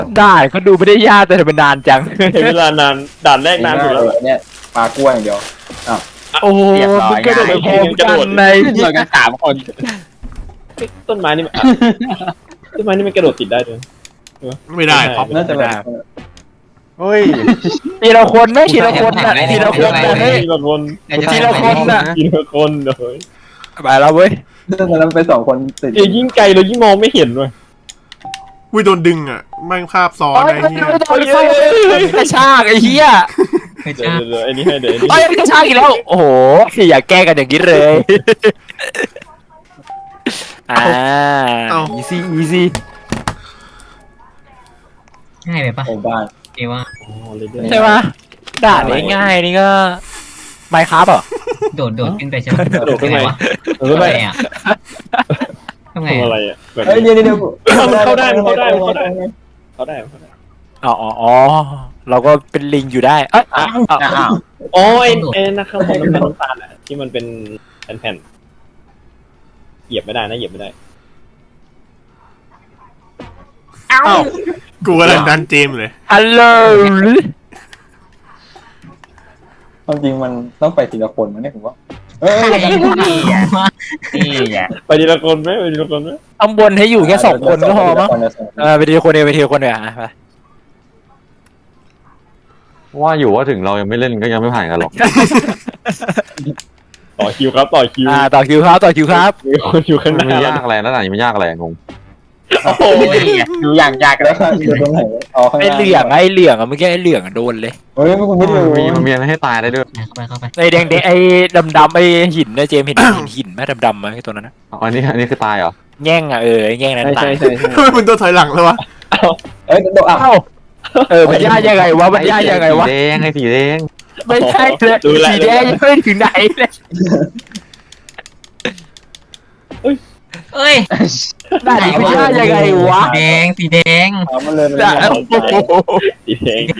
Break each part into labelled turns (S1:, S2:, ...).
S1: ด่านก็ดูไม่ได้ยากแต่เป็นนานจัง
S2: ใช้เวลานานด่านแรกนานสุดแล้ว
S3: เนี่ยปลากล้วยอย่างเดียว
S1: โอ้โหมึงกระโดดไปพร้อมกันใน
S4: เรากัน3 คน
S2: ต้นไม้นี่ต้นไม้นี่มันกระโดดติดได้ด้วย
S5: ไม่ได้ครับ
S3: น่าจะแบบ
S4: เฮ้ย
S1: ทีละคนไม่ทีละคนนะทีละคนนะเฮ้ย
S2: ทีละคน
S1: ทีละคนน่ะ
S2: ทีละคนเลย
S1: ไปแล้วเว้ย
S3: เรื่องนั้นเป็น2 คนติด
S2: ยิ่งไกลเรายิ่งมองไม่เห็นเลย
S5: อุ้ยโดนดึงอ่ะแม่งภาพซ้อน
S1: โอ้ย
S5: ไอ้เหี้ย
S1: กระชากไอ้เหี้ย
S2: เดี๋ยวไอ้นี่ให้เดี๋ยว
S1: โอ้ยกระชากอีกแล้ว โอ้โหอย่าแก้กันอย่างนี้เลยeasy easy
S6: ง่ายไปปะ
S3: โอ้บ้าน
S6: เอว่า
S1: ใช่ไหมด่านง่ายๆนี่ก็ไมค์ครับอ่ะ
S6: โดดขึ้นไปใช่ไหม
S2: โดดขึ้นไป
S6: วะ
S2: เออ
S6: ทำ
S2: ไป
S6: ไงอ่ะทำไง
S2: ทำอะไร
S6: อ่ะ
S2: อ่ะ
S3: เฮ้ยเดี๋ยว
S2: มันเข้าได้เขาได้
S1: อ๋อเราก็เป็นลิงอยู่ได้เอ้ย
S2: อ๋อไอ้นักข้างบนมันเป็นน้ำตาลอ่ะที่มันเป็นแผ่นเหยียบไม่ได้นะเหยียบไม่ได้
S5: กูกำลังดันเจมส์เลย
S1: ฮัลโหล
S3: ความจริงมันต้องไปทีละคนมันเนี่ยผมว่าเฮ้ย
S4: นี่ไง
S2: ไปทีละคนไหมไปทีละคนไหม
S1: ข้างบนให้อยู่แค่2 คนก็พอมั้งไปทีละคนเดียวไปทีละคนเดียวไป
S7: ว่าอยู่ว่าถึงเรายังไม่เล่นก็ยังไม่ผ่านกันหรอก
S2: ต่อคิวครับต่อคิว
S1: ต่อคิวครับต่อคิวครับ
S2: มีคนอยู่ข้างห
S7: มัน
S2: น้า
S7: ไม่ยากอะไรแล้วไหนมันยากอะไรงง
S2: โอ้โห
S4: ดูอย่างยาก
S3: แล้
S4: แล้ว ว
S3: อยู่ตรงไหนอ๋อข้าง
S1: ไอ้เหลืองเมื่อกี้ไอ้เหลืองโดนเลย
S3: เฮ้ยคุณไม่ดู
S7: มันมีอะไรให้ตายได้ด้วย
S6: เข้าไป
S1: ไอ้แดงไอ้ดำไอ้หินนะเจมเห็นหินไหมดำไหมไอ้ตัวนั้นนะ
S7: อันนี้คือตายเหรอ
S1: แง่งอ่ะไอ้แง่งนั้นตาย
S2: ใช่
S5: ทำไมมึงตัวถอยหลังแล้ววะ
S3: เอ้ยโดดอ่ะ
S1: เอ้ามันยากยังไงวะมันยากยังไงวะ
S7: สีแดงไอ้สีแดง
S1: ไม่ใช่เลยสีแดงยังไม่ถึงไหนเลย
S6: เอ้ย
S1: ด่านนี้มันยากยังไงวะ
S6: สีแดง
S3: มันเลย
S1: ด่านโอ้โห
S2: สีแดง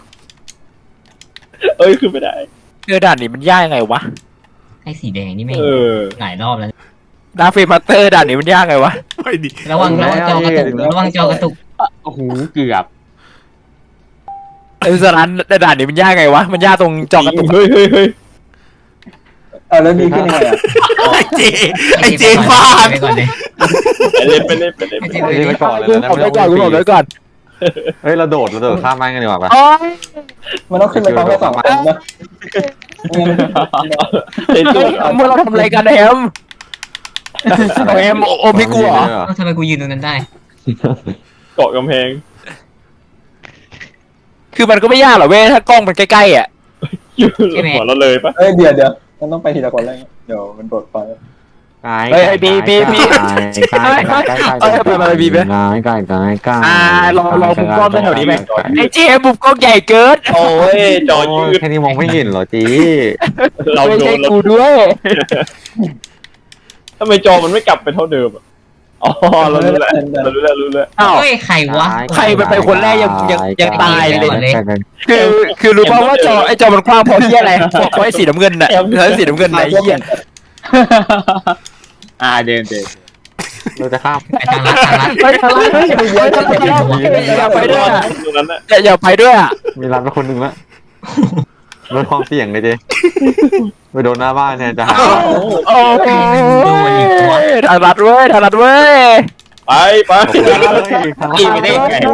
S2: เอ้ยขึ้นไม่ได้
S1: ด่านนี้มันยากยังไงวะ
S6: ไอ้สีแดงนี่ไม่
S2: เออ
S6: หลายรอบแล้ว
S1: ดาเฟมาสเตอร์ด่านนี้มันยากไงวะ
S5: ไม่ดี
S6: ระวังจอกระตุกระวังจอกระตุก
S4: โอ้โหเกือบ
S1: ไอ้สารด่านนี้มันยากไงวะมันยากตรงจอกระตุก
S2: เฮ้ย
S3: แล้วดีขึ้นยังไงอ่ะ
S5: ไอ้เจฟาด
S6: ไปก่อนเลย
S2: ไปเล่น
S7: ไอ้นี่ไปก่อนเลยนะ
S1: ผมไปก่อนผมไปก่อน
S7: เฮ้ยเราโดดข้ามแม่งกันดีกว่าปะ
S1: โอ้ย
S3: มันต้องขึ้นไปพร้อมกัน2 คนนะ
S1: เมื่อเราทำอะไรกันแฮมแฮมโอไม่กลัว
S6: ทำไมกูยืนตรงนั้นได้
S2: เกาะกำแพง
S1: คือมันก็ไม่ยากหรอกเว้ยถ้ากล้องมันใกล้ๆอ่ะ
S2: อยู่หัวเราเลยปะ
S3: เฮ้ยเดี๋ยวมันต้องไปทีละคนเลยเดี๋ยวมันโดดไป
S7: กาย
S1: เฮ้ยบี
S7: กาย
S1: รอมุมกล้องแถวนี้ไหมไอ้เจมุมกล้องใหญ่เกิน
S2: โอ้ยจอยืด
S7: แค่นี้มองไม่เห็นเหรอจี
S2: เรา
S1: ไม่
S2: โด
S1: ใช่
S2: น
S1: กูด้วย
S2: ทำไมจอมันไม่กลับไปเท่าเดิมอ่ะอ๋อเรารู้แล้ว
S1: อ้าว
S6: เฮ้ยใครวะ
S1: ใครไปคนแรกยังตายเลย
S6: เลย
S1: คือรู้ป่าวว่าไอ้จอมันกว้างเพราะเหี้ยอะไรเพราะไอ้สีน้ำเงินน่ะเพราะสีน้ำเงินไหนเหี้ย
S4: เดิน
S7: เราจะข้าม
S6: ทางลัด
S1: ไปทางลัดอย่าไปด้วย
S2: ตรงนั้นน่ะ
S1: อย่าไปด้วยอ่ะ
S7: มีร้านไปคนหนึ่งละลดความเสี่ยงเลยเจไปโดนหน้าบ้านแทนจะหา
S1: โอ้ทางลัดเว้ย
S2: ไป
S4: อีไม่ได้ไง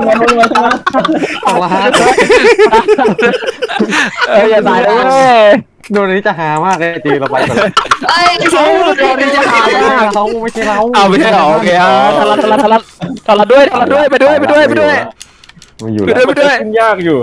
S1: อย่าตายเลย
S7: โดนนี้จะหามากเลยจีเราไปก่อน
S1: เขาโดนนี่จะหามาก
S7: เขาไม่ใช่เรา
S1: เอาไม่ใช่หรอโอเคทารัดด้วยไปด้วย
S7: มันอยู่
S1: ไป
S7: แล้ว
S1: ด้วย
S2: ยากอยู่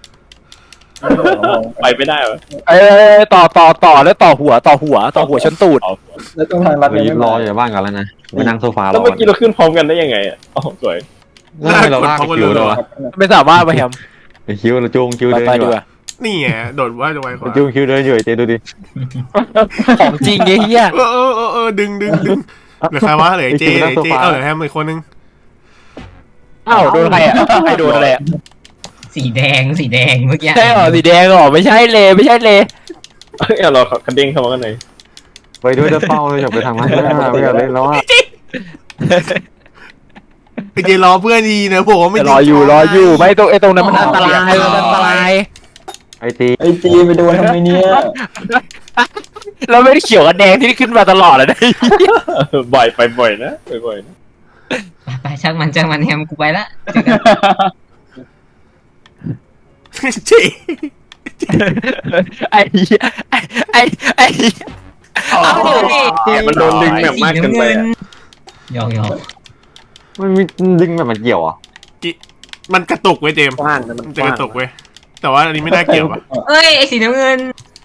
S2: ไปไม่ได้เหรอ
S1: ต่อแล้วต่อหัวชนตูด
S3: แล้วตรงทางลัด
S7: ไปรออยู่บ้านกันแล้วนะไปนั่งโซฟารอ
S2: แล้วเมื่อกี้เราขึ้นพร้อมกันได้ยังไงอ่ะอ๋อสวย
S7: เราลากคิวเลยวะ
S1: ไม่สามารถไปแฮม
S7: คิวเราจูงคิวเดิน
S1: ไป
S7: อยู่
S1: ดีกว่า
S5: นี่ไงโดดว่าจะไวกว่า
S7: จูงคิวเดินอยู่เจดูดิ
S1: ของจริงไอ้เหี้ย
S5: ดึงเหลือใครวะเหลือเจเหลือแฮมอีกคนนึง
S1: อ้าวโดนใครอ่ะใครโดนอะไรอ่ะ
S6: สีแดงเมื่อกี้
S1: ใช่หรอสีแดงหรอไม่ใช่เลย
S2: เราคันเด้งเข้ามากันไหน
S7: ไปด้วยจะเป้าเลยอย่าไปทางนั้นไม่อยากเล่นแล้วอ่ะ
S5: ไอเจรอเพื่อนดีนะผมว่าไม่
S1: รออยู่ไม่ตรงไอ้ตรงนั้นมันอันตรายมันอันตราย
S7: ไอตี
S3: ไอ้จีไปโดนทำไมเนี่ย
S1: เราไม่ได้เขียวกับแดงที่ขึ้นมาตลอดเลยนะ
S2: บ่อยไปบ่อยนะบ่อยนะ
S6: ไปช่างมันแฮมกูไปละเจอกัน
S5: เจ
S1: ไอ้เหี้ยไอ้เหี้ย
S2: มันโดนดึงแบบมากเกินไปอะ
S6: หยอก
S7: มันมีดึงแบบมันเกี่ยวอ่ะ
S5: มันกระตุกเว้ยเจมส์
S2: กว้างนะมัน
S5: มันจะกระตุกเว้ยแต่ว่าอันนี้ไม่น่าเกี่ยวปะ
S6: เอ้ยไอ้สีน้ำเงิน